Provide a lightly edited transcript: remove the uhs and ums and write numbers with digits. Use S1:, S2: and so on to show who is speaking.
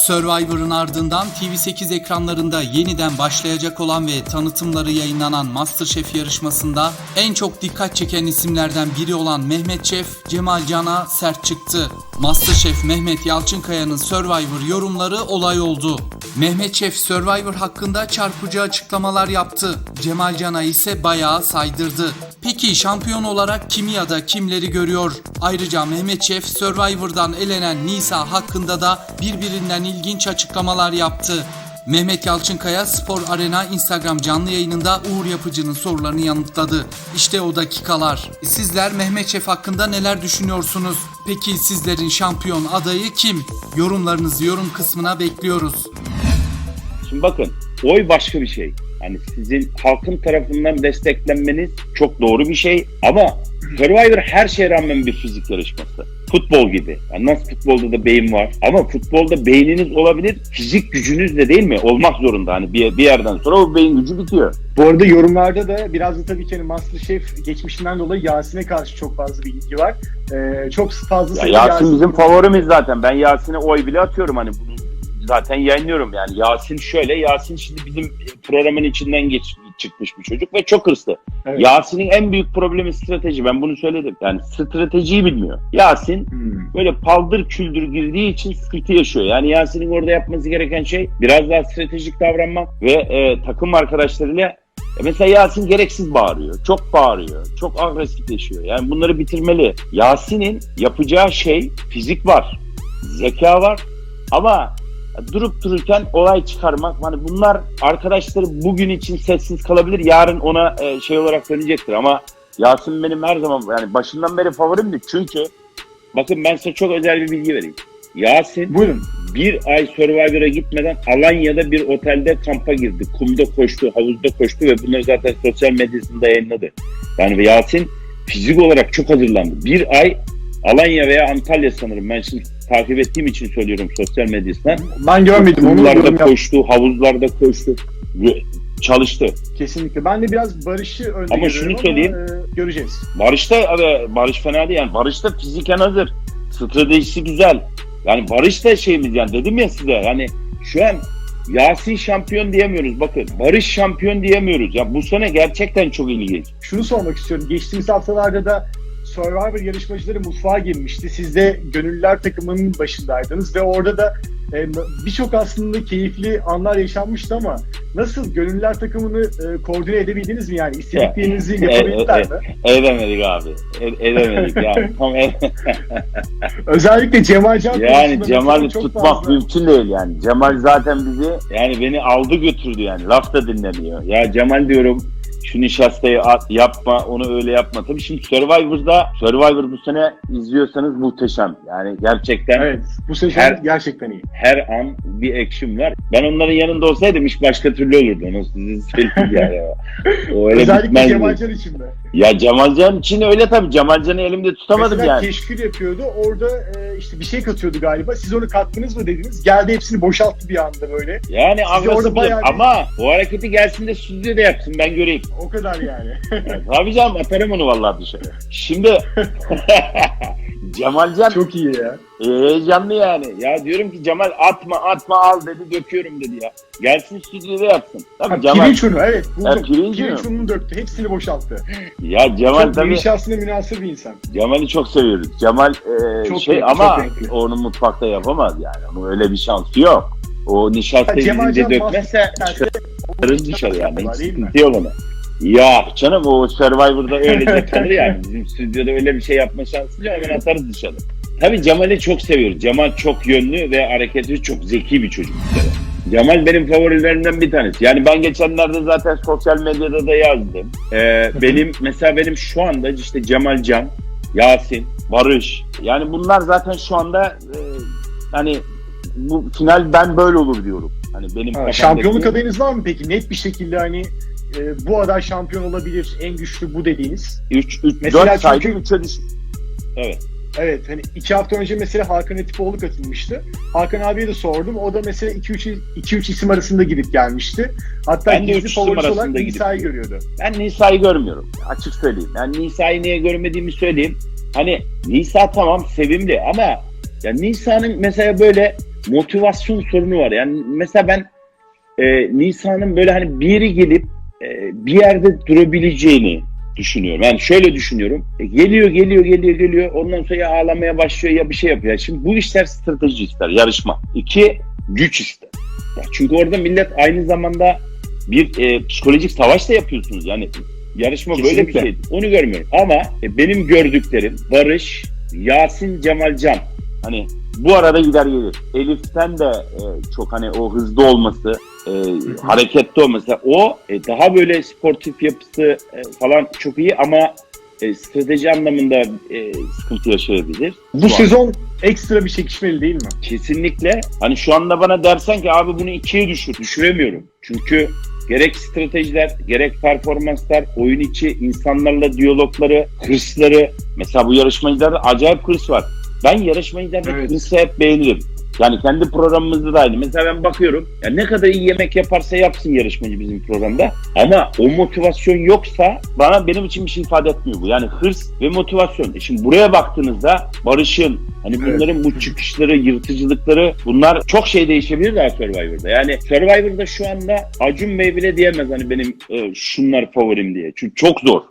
S1: Survivor'ın ardından TV8 ekranlarında yeniden başlayacak olan ve tanıtımları yayınlanan MasterChef yarışmasında en çok dikkat çeken isimlerden biri olan Mehmet Şef, Cemal Can'a sert çıktı. MasterChef Mehmet Yalçınkaya'nın Survivor yorumları olay oldu. Mehmet Şef Survivor hakkında çarpıcı açıklamalar yaptı. Cemal Can'a ise bayağı saydırdı. Peki şampiyon olarak kimi ya da kimleri görüyor? Ayrıca Mehmet Şef Survivor'dan elenen Nisa hakkında da birbirinden ilginç açıklamalar yaptı. Mehmet Yalçınkaya Spor Arena Instagram canlı yayınında Uğur Yapıcı'nın sorularını yanıtladı. İşte o dakikalar. Sizler Mehmet Şef hakkında neler düşünüyorsunuz? Peki sizlerin şampiyon adayı kim? Yorumlarınızı yorum kısmına bekliyoruz.
S2: Şimdi bakın, oy başka bir şey. Hani sizin halkın tarafından desteklenmeniz çok doğru bir şey ama Survivor her şeye rağmen bir fizik yarışması. Futbol gibi. Yani nasıl futbolda da beyin var ama futbolda beyniniz olabilir, fizik gücünüz de değil mi? Olmak zorunda. Hani bir yerden sonra o beyin gücü bitiyor.
S3: Bu arada yorumlarda da biraz da tabii ki MasterChef geçmişinden dolayı Yasin'e karşı çok fazla bir ilgi var. Çok fazla sayıda
S2: Yasin bizim favorimiz zaten. Ben Yasin'e oy bile atıyorum hani bunu. Zaten yayınlıyorum yani. Yasin şimdi bizim programın içinden çıkmış bir çocuk ve çok hırslı. Evet. Yasin'in en büyük problemi strateji. Ben bunu söyledim. Yani stratejiyi bilmiyor. Yasin böyle paldır küldür girdiği için sıkıntı yaşıyor. Yani Yasin'in orada yapması gereken şey biraz daha stratejik davranmak ve takım arkadaşlarıyla mesela Yasin gereksiz bağırıyor. Çok bağırıyor. Çok agresifleşiyor. Yani bunları bitirmeli. Yasin'in yapacağı şey fizik var. Zeka var. Ama durup dururken olay çıkarmak, hani bunlar arkadaşları bugün için sessiz kalabilir, yarın ona şey olarak dönecektir ama Yasin benim her zaman yani başından beri favorimdi çünkü bakın ben size çok özel bir bilgi vereyim. Yasin
S3: buyurun.
S2: Bir ay Survivor'a gitmeden Alanya'da bir otelde kampa girdi. Kumda koştu, havuzda koştu ve bunları zaten sosyal medyasında yayınladı. Yani Yasin fizik olarak çok hazırlandı. Bir ay Alanya veya Antalya sanırım. Ben şimdi takip ettiğim için söylüyorum sosyal medyasından.
S3: Ben görmedim.
S2: Kumlarda koştu, havuzlarda koştu. Çalıştı.
S3: Kesinlikle. Ben de biraz Barış'ı önde
S2: ama şunu söyleyeyim.
S3: Göreceğiz.
S2: Barış fena değil yani. Barış da fiziken hazır. Stratejisi güzel. Yani Barış da şeyimiz yani dedim ya size. Yani şu an Yasin şampiyon diyemiyoruz. Bakın Barış şampiyon diyemiyoruz. Ya bu sene gerçekten çok ilginç.
S3: Şunu sormak istiyorum. Geçtiğimiz haftalarda da Survivor yarışmacıları mutfağa girmişti. Siz de Gönüllüler takımının başındaydınız ve orada da birçok aslında keyifli anlar yaşanmıştı ama nasıl Gönüllüler takımını koordine edebildiniz mi yani? İstediklerinizi yapabildiler mi?
S2: Edemedik abi. Edemedik yani.
S3: Özellikle Cemal Can
S2: yani Cemal'i tutmak mümkün değil yani. Cemal zaten bizi yani beni aldı götürdü yani. Laf da dinlemiyor. Ya Cemal diyorum şu nişastayı yapma, onu öyle yapma. Tabii şimdi Survivor bu sene izliyorsanız muhteşem. Yani gerçekten.
S3: Evet, bu sene gerçekten iyi.
S2: Her an bir action var. Ben onların yanında olsaydım iş başka türlü olurdu. Onu size söyleyeyim yani. O öyle
S3: özellikle Cemal Can için de.
S2: Ya Cemal Can için öyle tabii. Cemal Can'ı elimde tutamadım
S3: mesela
S2: yani.
S3: Keşkül yapıyordu. Orada işte bir şey katıyordu galiba. Siz onu kattınız mı dediniz. Geldi hepsini boşalttı bir anda böyle.
S2: Yani agresif ama o hareketi gelsin de stüdyoda yapsın ben göreyim.
S3: O kadar yani.
S2: Tabii canım atarım onu vallahi dışarı. Şimdi Cemal Can
S3: çok iyi ya.
S2: Heyecanlı yani. Ya diyorum ki Cemal atma al dedi döküyorum dedi ya. Gelsin stüdyoda yapsın.
S3: Tabii Cemal. Pirinç unu evet.
S2: Pirinç
S3: ununu döktü. Hepsini boşalttı.
S2: Ya Cemal
S3: çok
S2: tabii.
S3: şahsına münasır bir insan.
S2: Cemal'i çok seviyoruz. Cemal ama onu mutfakta yapamaz yani. Onun öyle bir şansı yok. O nişastayı bizimce dökmezse çıkarırız dışarı yani. Hiç sıkıntı yok ona. Ya canım o Survivor'da öylece kalır yani. Bizim stüdyoda öyle bir şey yapma şansı yok. Hemen atarız dışarı. Tabii Cemal'i çok seviyoruz. Cemal çok yönlü ve hareketi çok zeki bir çocuk. Cemal benim favorilerimden bir tanesi. Yani ben geçenlerde zaten sosyal medyada da yazdım. Benim şu anda işte Cemal Can, Yasin, Barış. Yani bunlar zaten şu anda hani bu final ben böyle olur diyorum. Hani benim
S3: şampiyonluk adayınız var mı peki? Net bir şekilde hani bu aday şampiyon olabilir, en güçlü bu dediğiniz.
S2: 4 saydım 3'e düştü. Evet.
S3: Evet, hani 2 hafta önce mesela Hakan Atipoğlu katılmıştı. Hakan abiye de sordum. O da mesela 2-3 isim arasında gidip gelmişti. Hatta
S2: ben
S3: gizli favorisi olarak Nisa'yı görüyordu.
S2: Ben Nisa'yı görmüyorum. Açık söyleyeyim. Yani Nisa'yı niye görmediğimi söyleyeyim. Hani Nisa tamam sevimli ama ya Nisa'nın mesela böyle motivasyon sorunu var. Yani mesela ben Nisa'nın böyle hani bir yere gelip bir yerde durabileceğini düşünüyorum. Yani şöyle düşünüyorum. Geliyor. Ondan sonra ya ağlamaya başlıyor ya bir şey yapıyor. Şimdi bu işler strateji ister, yarışma. 2, güç ister. Ya çünkü orada millet aynı zamanda bir psikolojik savaş da yapıyorsunuz. Yani yarışma
S3: Kesinlikle.
S2: böyle bir şey. Onu görmüyorum. Ama benim gördüklerim Barış, Yasin, Cemalcan. Hani bu arada gider gelir. Elif'ten de çok hani o hızlı olması, hareketli olması. O daha böyle sportif yapısı falan çok iyi ama strateji anlamında sıkıntı yaşayabilir.
S3: Bu sezon ekstra bir çekişmeli değil mi?
S2: Kesinlikle. Hani şu anda bana dersen ki abi bunu 2'ye düşür. Düşüremiyorum. Çünkü gerek stratejiler, gerek performanslar, oyun içi insanlarla diyalogları, hırsları. Mesela bu yarışmacılarda acayip hırs var. Ben yarışmacılarda hırsı hep beğenirim. Yani kendi programımızda da aynı. Mesela ben bakıyorum, ya ne kadar iyi yemek yaparsa yapsın yarışmacı bizim programda. Ama o motivasyon yoksa benim için bir şey ifade etmiyor bu. Yani hırs ve motivasyon. Şimdi buraya baktığınızda Barış'ın, hani bunların bu çıkışları, yırtıcılıkları, bunlar çok şey değişebilir daha Survivor'da. Yani Survivor'da şu anda Acun Bey bile diyemez hani benim şunlar favorim diye. Çünkü çok zor.